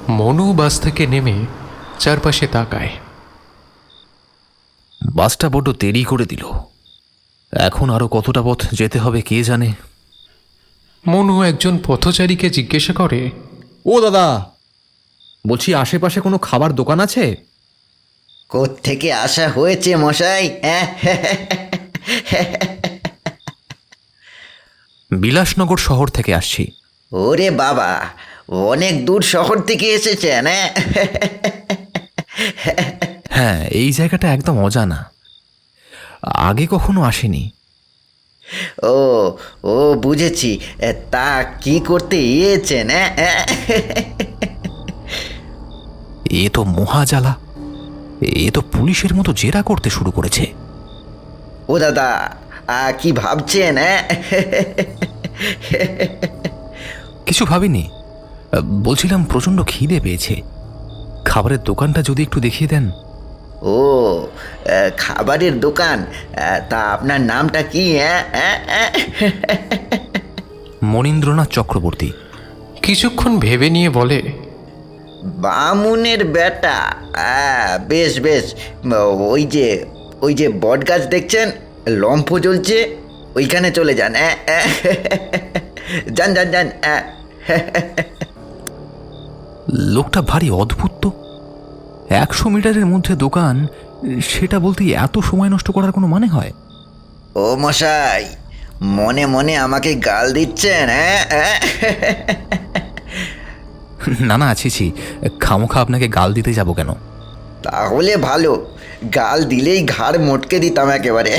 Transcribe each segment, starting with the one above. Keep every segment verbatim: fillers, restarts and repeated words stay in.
মনু বাস থেকে নেমে চারপাশে তাকায়। বাসটা বড্ড দেরি করে দিল। এখন আরো কতটা পথ যেতে হবে কে জানে। মনু একজন পথচারীকে জিজ্ঞাসা করে, ও দাদা, বলছি আশেপাশে কোনো খাবার দোকান আছে? কোত্থেকে আসা হয়েছে মশাই? বিলাসনগর শহর থেকে আসছি। ওরে বাবা, অনেক দূর শহর থেকে এসেছেন? হ্যাঁ, এই জায়গাটা একদম অজানা, আগে কখনো আসেনি। ও ও বুঝেছি। তা কি করতে এসেছেন? এ তো মহাজালা, এ তো পুলিশের মতো জেরা করতে শুরু করেছে। ও দাদা, কি ভাবছেন? কিছু ভাবিনি, বলছিলাম প্রচণ্ড খিদে পেয়েছে, খাবারের দোকানটা যদি একটু দেখিয়ে দেন। ও, খাবারের দোকান? তা আপনার নামটা কি? মনীন্দ্রনাথ চক্রবর্তী। কিছুক্ষণ ভেবে নিয়ে বলে, বামুনের বেটা। বেশ বেশ, ওই যে ওই যে বট গাছ দেখছেন, লম্ফ জ্বলছে, ওইখানে চলে যান। যান যান যান। লোকটা ভারী অদ্ভুত তো, একশো মিটারের মধ্যে দোকান, সেটা বলতে এত সময় নষ্ট করার কোনো মানে হয়? ও মশাই, মনে মনে আমাকে গাল দিচ্ছেন? না না, আছি ছি, খামোখা আপনাকে গাল দিতে যাব কেন? তাহলে ভালো, গাল দিলেই ঘাড় মটকে দিতাম একেবারে।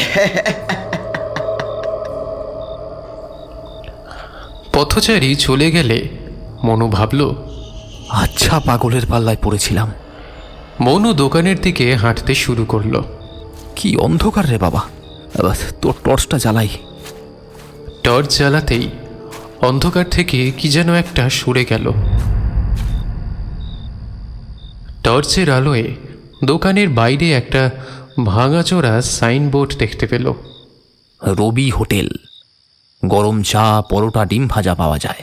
পথচারী চলে গেলে মনু ভাবল, আচ্ছা পাগলের পাল্লায় পড়েছিলাম। মনু দোকানের দিকে হাঁটতে শুরু করলো। কি অন্ধকার রে বাবা, তোর টর্চটা জ্বালাই। টর্চ জ্বালাতেই অন্ধকার থেকে কি যেন একটা সরে গেল। টর্চের আলোয় দোকানের বাইরে একটা ভাঙাচোরা সাইনবোর্ড দেখতে পেল। রবি হোটেল, গরম চা, পরোটা, ডিম ভাজা পাওয়া যায়।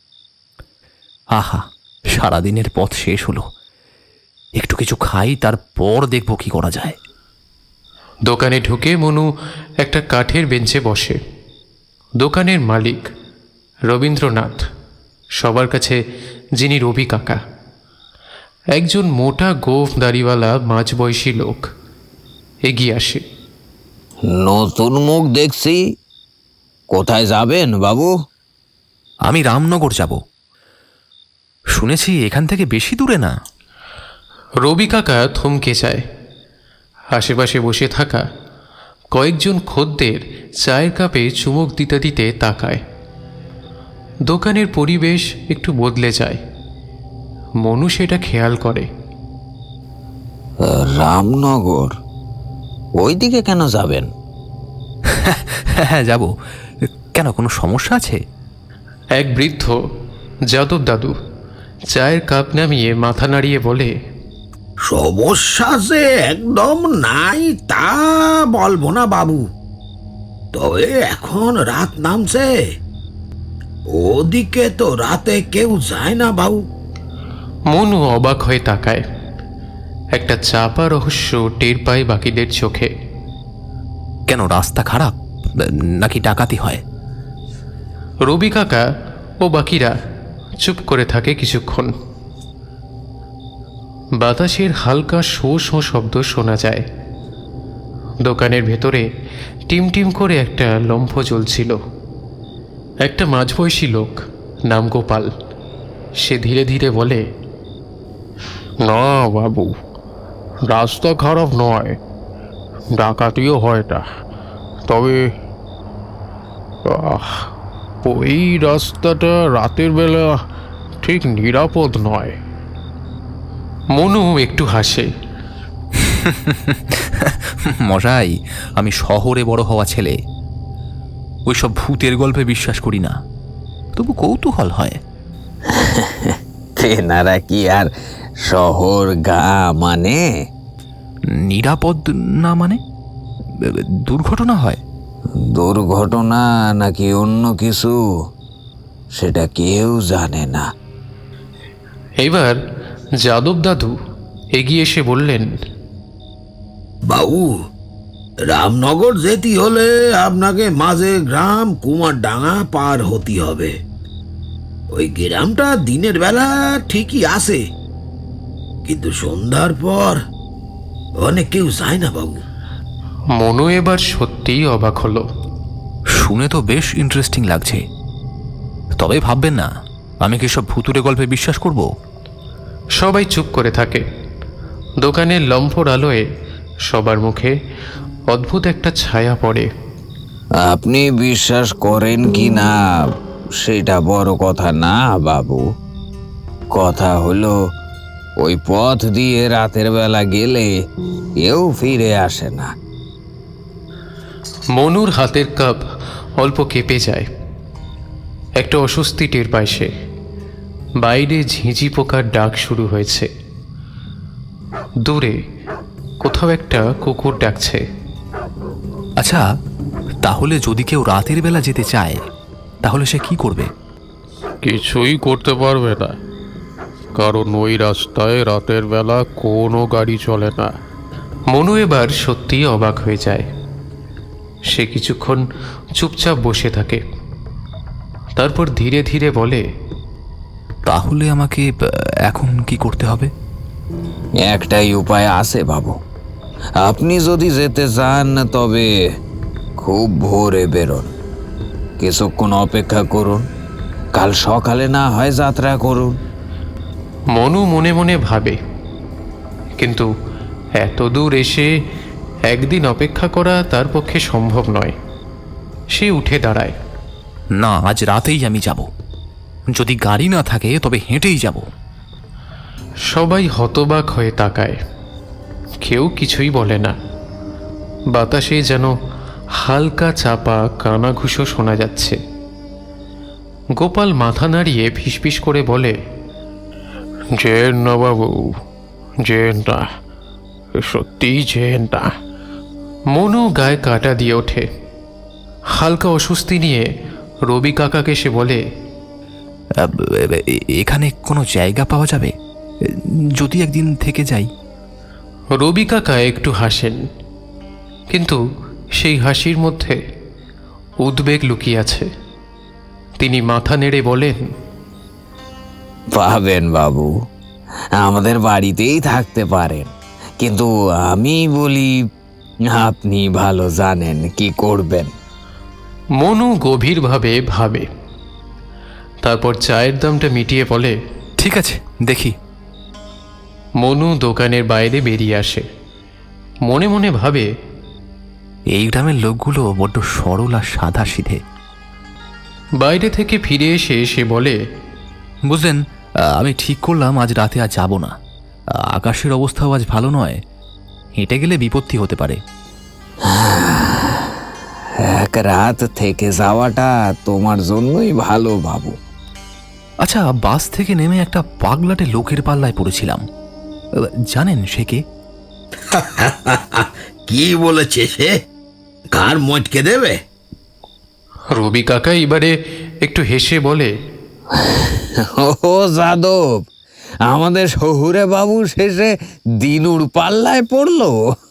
আহা, সারাদিনের পথ শেষ হলো, একটু কিছু খাই, তারপর দেখব কি করা যায়। দোকানে ঢুকে মনু একটা কাঠের বেঞ্চে বসে। দোকানের মালিক রবীন্দ্রনাথ, সবার কাছে যিনি রবি কাকা, একজন মোটা গোঁফ দাড়িওয়ালা মাঝবয়সী লোক এগিয়ে আসে। নতুন মুখ দেখছি, কোথায় যাবেন বাবু? আমি রামনগর যাব, শুনেছি এখান থেকে বেশি দূরে না। রবি কাকা থমকে যায়। আশেপাশে বসে থাকা কয়েকজন খদ্দের চায়ের কাপে চুমুক দিতে দিতে তাকায়। দোকানের পরিবেশ একটু বদলে যায়। মনু সেটা খেয়াল করে। রামনগর, ওইদিকে কেন যাবেন? হ্যাঁ যাব, কেন কোনো সমস্যা আছে? এক বৃদ্ধ যাদব দাদু চায়ের কাপ নামিয়ে মাথা নাড়িয়ে বলে, সমস্যা যে একদম নাই তা বলবো না বাবু, তবে এখন রাত নামছে, ওদিকে তো রাতে কেউ যায় না বাবু। মনু অবাক হয়ে তাকায়। একটা চাপা রহস্য টের পায় বাকিদের চোখে। কেন, রাস্তা খারাপ নাকি ডাকাতি হয়? রবি কাকা ও বাকিরা চুপ করে থাকে কিছুক্ষণ। বাতাসের হালকা শো শো শব্দ শোনা যায়। দোকানের ভেতরে টিমটিম করে একটা লম্ফ জ্বলছিল। একটা মাঝবয়সী লোক, নাম গোপাল, সে ধীরে ধীরে বলে, না বাবু, রাস্তা খারাপ নয়, ডাকাতিও হয় না, তবে ওই রাস্তাটা রাতের বেলা ঠিক নিরাপদ নয়। মনু একটু হাসে। মশাই, আমি শহরে বড় হওয়া ছেলে, ওইসব ভূতের গল্পে বিশ্বাস করি না, তবু কৌতূহল হয়। তেনারা কি আর শহর গা মানে? নিরাপদ না মানে? দুর্ঘটনা হয়? দুর্ঘটনা নাকি অন্য কিছু সেটা কেউ জানে না। এবার যাদব দাদু এগিয়ে এসে বললেন, বাবু, রামনগর যেতে হলে আপনাকে মাঝে গ্রাম কুমারডাঙ্গা পার হতে হবে। ওই গ্রামটা দিনের বেলা ঠিকই আছে, কিন্তু সন্ধ্যার পর অনেক কেউ যায় না বাবু। মনু এবার সত্যিই অবাক হলো। শুনে তো বেশ ইন্টারেস্টিং লাগছে, তবে ভাববেন না আমি কি সব ভুতুরে গল্পে বিশ্বাস করব? সবাই চুপ করে থাকে। দোকানের লম্ফর আলোয় সবার মুখে অদ্ভুত একটা ছায়া পড়ে। আপনি বিশ্বাস করেন কি না সেটা বড় কথা না বাবু, কথা হলো ওই পথ দিয়ে রাতের বেলা গেলে কেউ ফিরে আসে না। মনুর হাতের কাপ অল্প কেঁপে যায়। একটা অস্বস্তি টের পায় সে। বাইরে ঝিঁঝি পোকার ডাক শুরু হয়েছে। দূরে কোথাও একটা কুকুর ডাকছে। আচ্ছা, তাহলে যদি কেউ রাতের বেলা যেতে চায় তাহলে সে কি করবে? কিছুই করতে পারবে না, কারণ ওই রাস্তায় রাতের বেলা কোনো গাড়ি চলে না। মনু এবার সত্যিই অবাক হয়ে যায়। সে কিছুক্ষণ চুপচাপ বসে থাকে, তারপর ধীরে ধীরে বলে, তাহলে আমাকে আহ, এখন কি করতে হবে? একটাই উপায় আছে বাবু, আপনি যদি যেতে চান তবে খুব ভোরে বেরোন, কিছুক্ষণ অপেক্ষা করুন, কাল সকালে না হয় যাত্রা করুন। মনু মনে মনে ভাবে, কিন্তু এত দূর এসে একদিন অপেক্ষা করা তার পক্ষে সম্ভব নয়। সে উঠে দাঁড়ায়। না, আজ রাতেই আমি যাব। যদি গাড়ি না থাকে তবে হেঁটেই যাব। সবাই হতবাক হয়ে তাকায়, কেউ কিছুই বলে না। বাতাসে যেন হালকা চাপা কানাঘুষো শোনা যাচ্ছে। গোপাল মাথা নাড়িয়ে ফিসফিস করে বলে, যেন না বাবু, যেন না, সত্যিই যেন না। মনু গায়ে কাটা দিয়ে ওঠে। হালকা অস্বস্তি নিয়ে রবি কাকাকে সে বলে, আহ, এ- এখানে কোনো জায়গা পাওয়া যাবে যদি একদিন থেকে যাই? রবি কাকা একটু হাসেন, কিন্তু সেই হাসির মধ্যে উদ্বেগ লুকিয়ে আছে। তিনি মাথা নেড়ে বলেন, পাবেন বাবু, আমাদের বাড়িতেই থাকতে পারেন, কিন্তু আমি বলি আপনি ভালো জানেন কি করবেন। মনু গভীরভাবে ভাবে, তারপর চায়ের দামটা মিটিয়ে বলে, ঠিক আছে, দেখি। মনু দোকানের বাইরে বেরিয়ে আসে। মনে মনে ভাবে, এই গ্রামের লোকগুলো বড্ড সরল আর সাদা সিধে। বাইরে থেকে ফিরে এসে সে বলে, বুঝলেন, আহ, আমি ঠিক করলাম আজ রাতে আর যাব না। আহ, আকাশের অবস্থাও আজ ভালো নয়, হেঁটে গেলে বিপত্তি হতে পারে। এক রাত থেকে যাওয়াটা তোমার জন্যই ভালো বাবু। আচ্ছা, বাস থেকে নেমে একটা পাগলাটে লোকের পাল্লায় পড়েছিলাম। আহ, জানেন সে কে? কি বলেছে সে? ঘাড় মটকে দেবে? রবি কাকা এবারে একটু হেসে বলে, ও যাদব, আমাদের শহুরে বাবু শেষে দিনুর পাল্লায় পড়লো।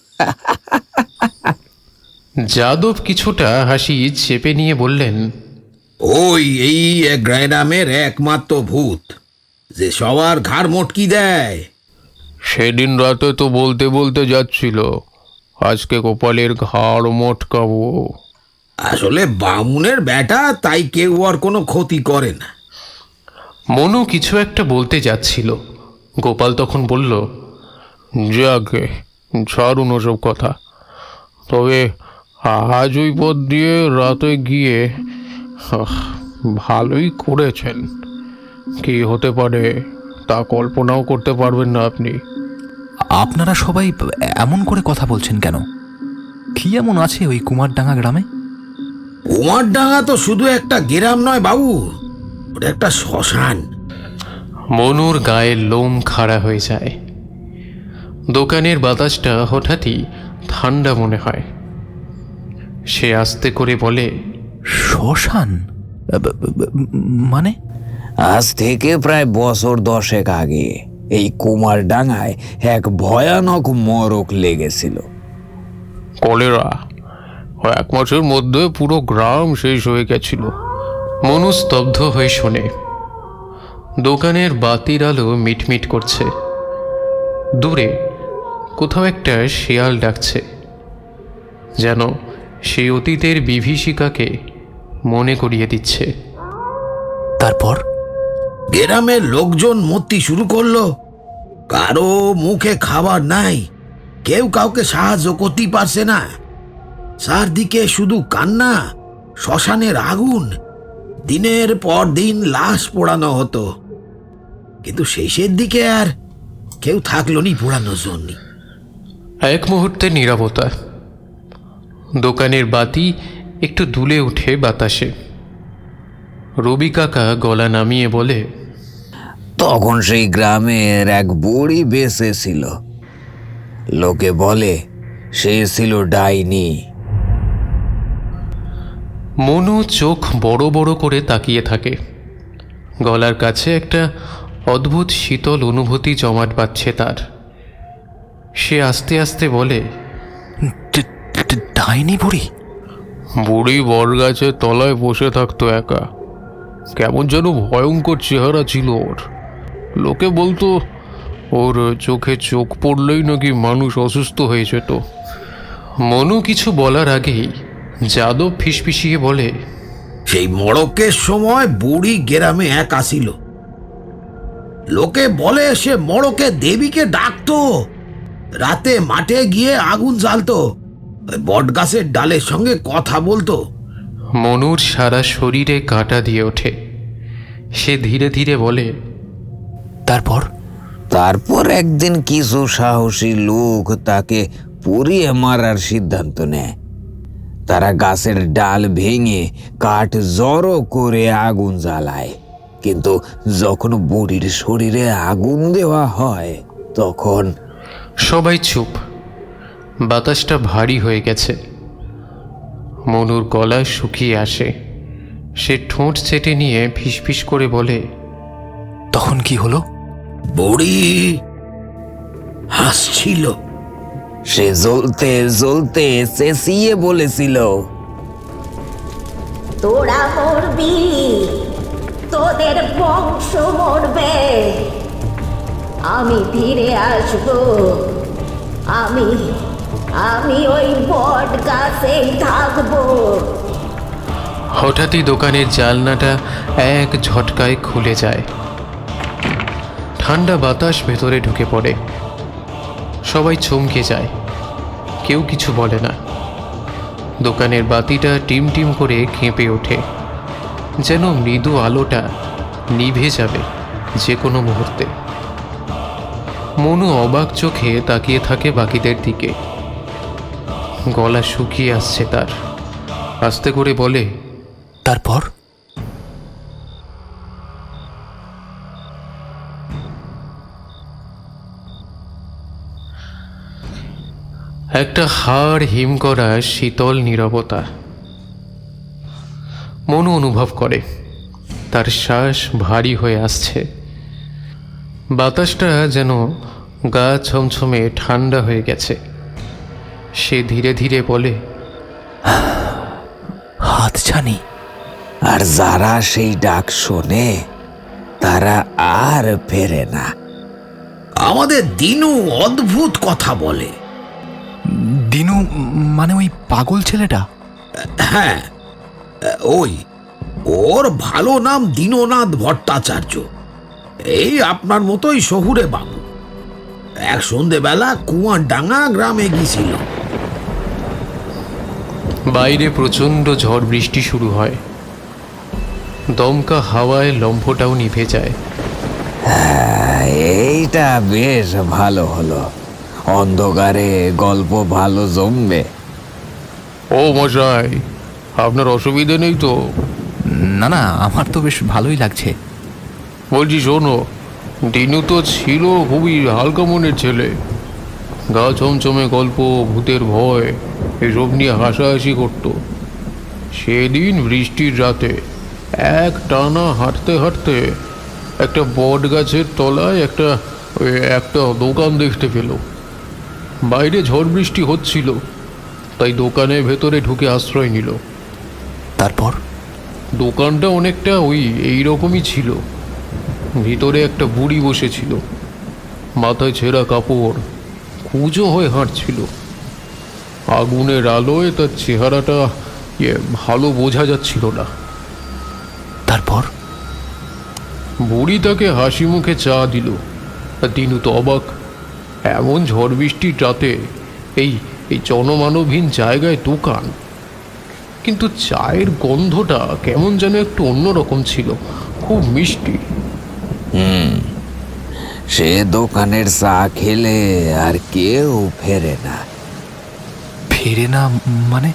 যাদব কিছুটা হাসি চেপে নিয়ে বললেন, ওই এই এক গ্রামের একমাত্র ভূত যে সবার ঘাড় মটকি দেয়। সেদিন রাতে তো বলতে বলতে যাচ্ছিল, আজকে গোপালের ঘাড় মটকাবো। আসলে বামুনের বেটা, তাই কেউ আর কোনো ক্ষতি করে না। মনু কিছু একটা বলতে যাচ্ছিল। গোপাল তখন বলল, যাকে ছাড়ুন ওসব কথা, তবে আজ ওই পথ দিয়ে রাতে গিয়ে আহ, ভালোই করেছেন। কি হতে পারে তা কল্পনাও করতে পারবেন না আপনি। আপনারা সবাই এমন করে কথা বলছেন কেন? কি এমন আছে ওই কুমারডাঙ্গা গ্রামে? কুমারডাঙ্গা তো শুধু একটা গ্রাম নয় বাবু, ওটা একটা শ্মশান। মনুর গায়ের লোম খাড়া হয়ে যায়। দোকানের বাতাসটা হঠাৎই ঠান্ডা মনে হয়। সে আস্তে করে বলে, শ্মশান? আহ, ব- ব- মানে? আজ থেকে প্রায় বছর দশেক আগে এই কুমার ডাঙায় এক ভয়ানক মরক লেগেছিল। কলেরা এক মাসের মধ্যে পুরো গ্রাম শেষ হয়ে গেছিল। মনু স্তব্ধ হয়ে শোনে। দোকানের বাতির আলো মিটমিট করছে। দূরে কোথাও একটা শিয়াল ডাকছে, যেন সেই অতীতের বিভীষিকাকে মনে করিয়ে দিচ্ছে। তারপর গ্রামের লোকজন মরতে শুরু করলো। কারো মুখে খাবার নাই, কেউ কাউকে সাহায্য করতে পারছে না। চারদিকে শুধু কান্না, শ্মশানের আগুন। দিনের পর দিন লাশ পোড়ানো হতো, কিন্তু শেষের দিকে আর কেউ থাকলো নি পোড়ানোর জন্য। এক মুহূর্তের নীরবতা। দোকানের বাতি একটু দুলে ওঠে বাতাসে। রবি কাকা গলা নামিয়ে বলে, তখন সেই গ্রামের এক বুড়ি বেঁচে ছিল। লোকে বলে সে ছিল ডাইনি। মনু চোখ বড় বড় করে তাকিয়ে থাকে। গলার কাছে একটা অদ্ভুত শীতল অনুভূতি জমাট বাঁধছে তার। সে আস্তে আস্তে বলে, ড- ড- ডাইনি বুড়ি? বুড়ি বটগাছের তলায় বসে থাকতো একা। কেমন যেন ভয়ঙ্কর চেহারা ছিল ওর। লোকে বলতো ওর চোখে চোখ পড়লেই নাকি মানুষ অসুস্থ হয়ে যেত। মনু কিছু বলার আগেই যাদব ফিসফিসিয়ে বলে, সেই মড়কের সময় বুড়ি গ্রামে এক আসিল। লোকে বলে সে মড়কে দেবীকে ডাকতো। রাতে মাঠে গিয়ে আগুন জ্বালতো, বট গাছের ডালের সঙ্গে কথা বলতো। মনুর সারা শরীরে কাঁটা দিয়ে ওঠে। সে ধীরে ধীরে বলে, তারপর তারপর একদিন কিছু সাহসী লোক তাকে পুড়িয়ে মারার সিদ্ধান্ত নেয়। তারা গাছের ডাল ভেঙে কাঠ জড়ো করে আগুন জ্বালায়, কিন্তু যখন বুড়ির শরীরে আগুন দেওয়া হয় তখন সবাই চুপ। বাতাসটা ভারী হয়ে গেছে। মনুর গলা শুকিয়ে আসে। সে ঠোঁট চেটে নিয়ে ফিসফিস করে বলে, তখন কি হলো? বুড়ি হাসছিল। সে জ্বলতে জ্বলতে চেঁচিয়ে বলেছিল, তোরা মরবি, তোদের বংশ মরবে। আমি ফিরে আসব। আমি আমি ওই বট গাছেই থাকবো। হঠাৎই দোকানের জানলাটা এক ঝটকায় খুলে যায়। ঠান্ডা বাতাস ভেতরে ঢুকে পড়ে। সবাই চমকে যায়, কেউ কিছু বলে না। দোকানের বাতিটা টিম টিম করে কেঁপে ওঠে, যেন মৃদু আলোটা নিভে যাবে যে কোনো মুহূর্তে। মনু অবাক চোখে তাকিয়ে থাকে বাকিদের দিকে। গলা শুকিয়ে আসছে তার। আস্তে করে বলে, তারপর একটা হাড় হিম করা শীতল নীরবতা। মনু অনুভব করে তার শ্বাস ভারী হয়ে আসছে। বাতাসটা যেন গা ছমছমে ঠান্ডা হয়ে গেছে। সে ধীরে ধীরে বলে, হাত ছানি। আর যারা সেই ডাক শোনে তারা আর ফেরে না। আমাদের দিনু অদ্ভুত কথা বলে। দিনু মানে ওই পাগল ছেলেটা? হ্যাঁ, ওই ওর ভালো নাম দীননাথ ভট্টাচার্য। এই আপনার মতোই শহুরে বাবু। এক সন্ধেবেলা কুয়ারডাঙ্গা গ্রামে গিয়েছিল। বাইরে প্রচণ্ড ঝড় বৃষ্টি শুরু হয়। দমকা হাওয়ায় লম্ফটাও নিভে যায়। হ্যাঁ, এইটা বেশ ভালো হলো। অন্ধকারে গল্প ভালো জমবে। ও মশাই, আপনার অসুবিধে নেই তো? না না, আমার তো বেশ ভালোই লাগছে। বলছি শোনো, দিনু তো ছিল খুবই হালকা মনের ছেলে। গা ছমছমে গল্প, ভূতের ভয় এসব নিয়ে হাসাহাসি করতো। সেদিন বৃষ্টির রাতে এক টানা হাঁটতে হাঁটতে একটা বট গাছের তলায় একটা ওই একটা দোকান দেখতে পেল। বাইরে ঝড় বৃষ্টি হচ্ছিল, তাই দোকানের ভেতরে ঢুকে আশ্রয় নিল। তারপর দোকানটা অনেকটা ওই এই রকমই ছিল। ভিতরে একটা বুড়ি বসেছিল, মাথায় ছেঁড়া কাপড়, কুঁজো হয়ে হাঁটছিল। আগুনের আলোয় তার চেহারাটা ইয়ে ভালো বোঝা যাচ্ছিল না। তারপর বুড়ি তাকে হাসি মুখে চা দিল। আর দিনু তো অবাক, এমন ঝড় বৃষ্টির রাতে এই এই জনমানবহীন জায়গায় দোকান, কিন্তু চায়ের গন্ধটা কেমন যেন একটু অন্যরকম ছিল, খুব মিষ্টি। সে দোকানের চা খেলে আর কেউ ফেরে না। ফেরে না মানে?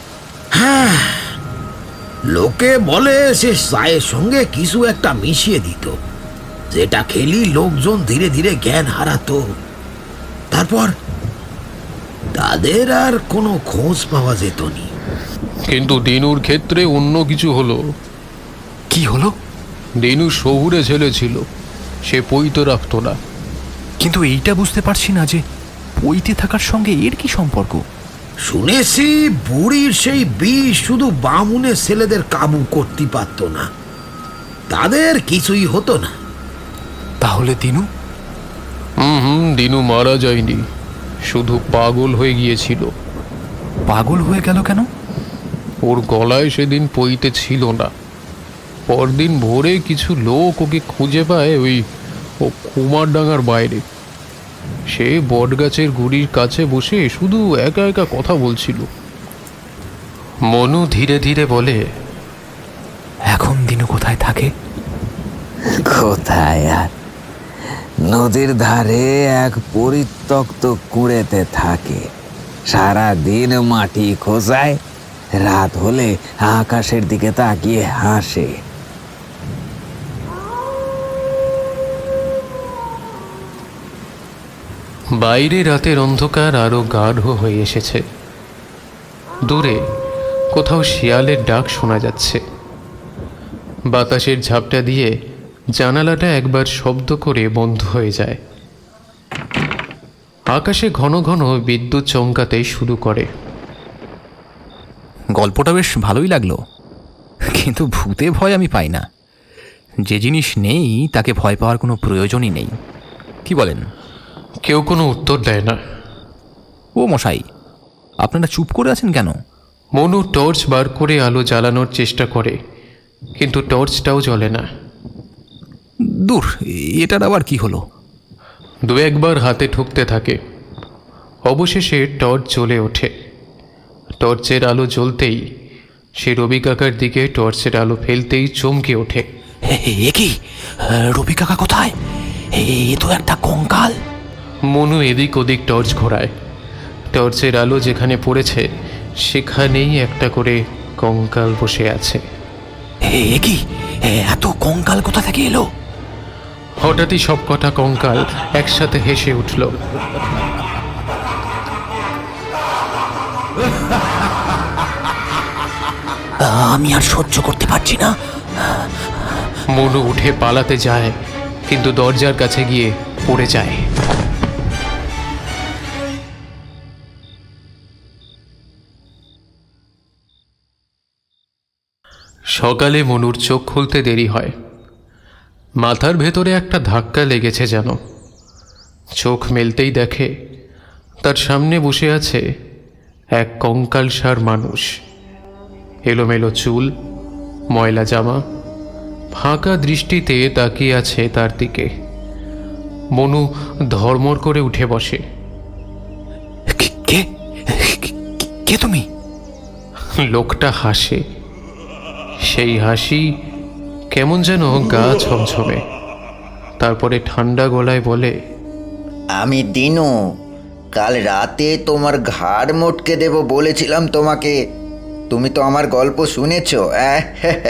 লোকে বলে সে চায়ের সঙ্গে কিছু একটা মিশিয়ে দিত, যেটা খেলি লোকজন ধীরে ধীরে জ্ঞান হারাতো। তারপর তাদের আর কোনো খোঁজ পাওয়া যেত নি। কিন্তু দিনুর ক্ষেত্রে অন্য কিছু হলো। কি হলো? দিনু শহুরে ছেলে ছিল, সে পৈতে রাখত না। কিন্তু এইটা বুঝতে পারছি না যে পইতে থাকার সঙ্গে এর কি সম্পর্ক। শুনেছি বুড়ির সেই বিষ শুধু বামুনের ছেলেদের কাবু করতে পারত না, তাদের কিছুই হতো না। তাহলে দিনু? হুম হুম দিনু মারা যায়নি, শুধু পাগল হয়ে গিয়েছিল। পাগল হয়ে গেল কেন? ওর গলায় সেদিন পইতে ছিল না। পরদিন ভোরে কিছু লোক ওকে খুঁজে পায় ওই ও কুমারডাঙ্গার বাইরে। সে বটগাছের গুড়ির কাছে বসে শুধু একা একা কথা বলছিল। মনু ধীরে ধীরে বলে, এখন দিনু কোথায় থাকে? কোথায় আর, নদীর ধারে এক পরিত্যক্ত কুঁড়েতে থাকে। সারা দিন মাটি খোঁজায়, রাত হলে আকাশের দিকে তাকিয়ে হাসে। বাইরে রাতের অন্ধকার আরো গাঢ় হয়ে এসেছে। দূরে কোথাও শিয়ালের ডাক শোনা যাচ্ছে। বাতাসের ঝাপটা দিয়ে জানালাটা একবার শব্দ করে বন্ধ হয়ে যায়। আকাশে ঘন ঘন বিদ্যুৎ চমকাতে শুরু করে। গল্পটা বেশ ভালোই লাগলো, কিন্তু ভূতে ভয় আমি পাই না। যে জিনিস নেই তাকে ভয় পাওয়ার কোনো প্রয়োজনই নেই। কি বলেন? কেউ কোনো উত্তর দেয় না। ও মশাই, আপনারা চুপ করে আছেন কেন? মনু টর্চ বার করে আলো জ্বালানোর চেষ্টা করে, কিন্তু টর্চটাও জ্বলে না। দূর, এটার আবার কি হলো? দু একবার হাতে ঠুকতে থাকে। অবশেষে টর্চ জ্বলে ওঠে। টর্চের আলো জ্বলতেই সে রবি কাকার দিকে টর্চের আলো ফেলতেই চমকে ওঠে। এ কি? রবি কাকা কোথায়? এ তো একটা কঙ্কাল। মনু এদিক ওদিক টর্চ ঘোরায়। টর্চের আলো যেখানে পড়েছে সেখানেই একটা করে কঙ্কাল বসে আছে। এ কি? এত কঙ্কাল কোথা থেকে এলো? হঠাৎই সব কটা কঙ্কাল একসাথে হেসে উঠল। আমি আর সহ্য করতে পারছি না। মনু উঠে পালাতে যায়, কিন্তু দরজার কাছে গিয়ে পড়ে যায়। সকালে মনুর চোখ খুলতে দেরি হয়। মাথার ভেতরে একটা ধাক্কা লেগেছে যেন। চোখ মেলতেই দেখে তার সামনে বসে আছে এক কঙ্কালসার মানুষ। এলোমেলো চুল, ময়লা জামা, ফাঁকা দৃষ্টিতে তাকিয়ে আছে তার দিকে। মনু ধর্মর করে উঠে বসে। কে? কে তুমি? লোকটা হাসে। সেই হাসি কেমন যেন গা ছমছমে। তারপরে ঠান্ডা গলায় বলে, আমি দিনু। কাল রাতে তোমার ঘাড় মোটকে দেব বলেছিলাম তোমাকে, তুমি তো আমার গল্প শুনেছ। আহ?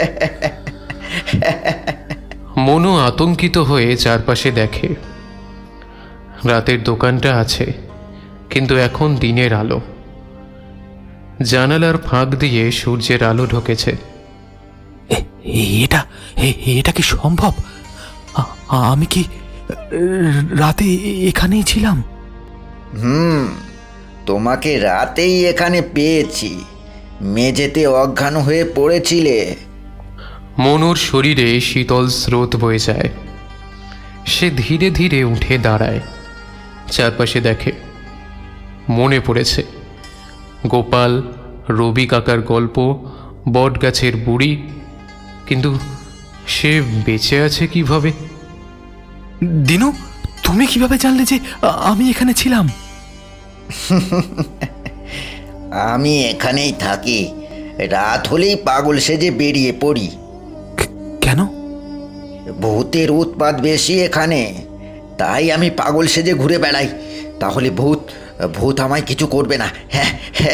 মনু আতঙ্কিত হয়ে চারপাশে দেখে। রাতের দোকানটা আছে, কিন্তু এখন দিনের আলো। জানালার ফাঁক দিয়ে সূর্যের আলো ঢোকেছে। এটা এটা কি সম্ভব? আমি কি রাতে এ- এখানেই ছিলাম। হুম, তোমাকে রাতেই এখানে পেয়েছি। মেঝেতে অজ্ঞান হয়ে পড়েছিলে। মনুর শরীরে শীতল স্রোত বয়ে যায়। সে ধীরে ধীরে উঠে দাঁড়ায়, চারপাশে দেখে। মনে পড়েছে গোপাল, রবি কাকার গল্প, বটগাছের বুড়ি। কিন্তু সে বেঁচে আছে কিভাবে? দিনু, তুমি কিভাবে জানলে যে আ- আমি এখানে ছিলাম? আমি এখানেই থাকি। রাত হলেই পাগল সেজে বেরিয়ে পড়ি। কে- কেন? ভূতের উৎপাত বেশি এখানে, তাই আমি পাগল সেজে ঘুরে বেড়াই। তাহলে ভূত ভূত আমায় কিছু করবে না। হ্যাঁ,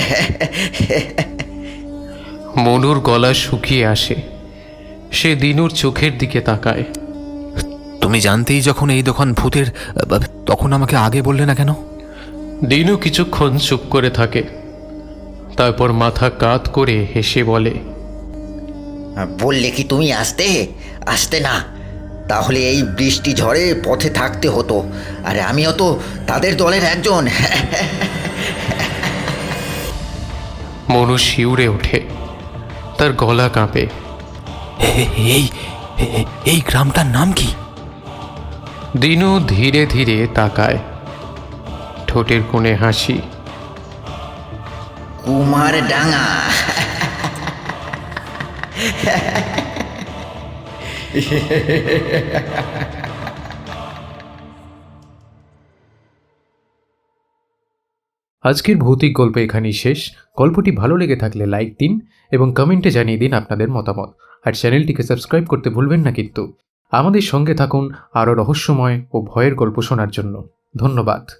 মনুর গলা শুকিয়ে আসে। সে দিনুর চোখের দিকে তাকায়। তুমি জানতেই যখন এই দোকান ভূতের, আ, তখন আমাকে আগে বললে না কেন? দিনু কিছুক্ষণ চুপ করে থাকে, তারপর মাথা কাত করে হেসে বলে, বললে কি তুমি আসতে আসতে না? তাহলে এই বৃষ্টি ঝড়ে পথে থাকতে হতো, আর আমিও তো তাদের দলের একজন। মনু শিউরে ওঠে, তার গলা কাঁপে। এ- এই এ- এই গ্রামটার নাম কি? দিনু ধীরে ধীরে তাকায়, ঠোঁটের কোণে হাসি। কুমার ডাঙা। আজকের ভৌতিক গল্প এখানেই শেষ। গল্পটি ভালো লেগে থাকলে লাইক দিন এবং কমেন্টে জানিয়ে দিন আপনাদের মতামত। আর চ্যানেলটিকে সাবস্ক্রাইব করতে ভুলবেন না কিন্তু। আমাদের সঙ্গে থাকুন আরও রহস্যময় ও ভয়ের গল্প শোনার জন্য। ধন্যবাদ।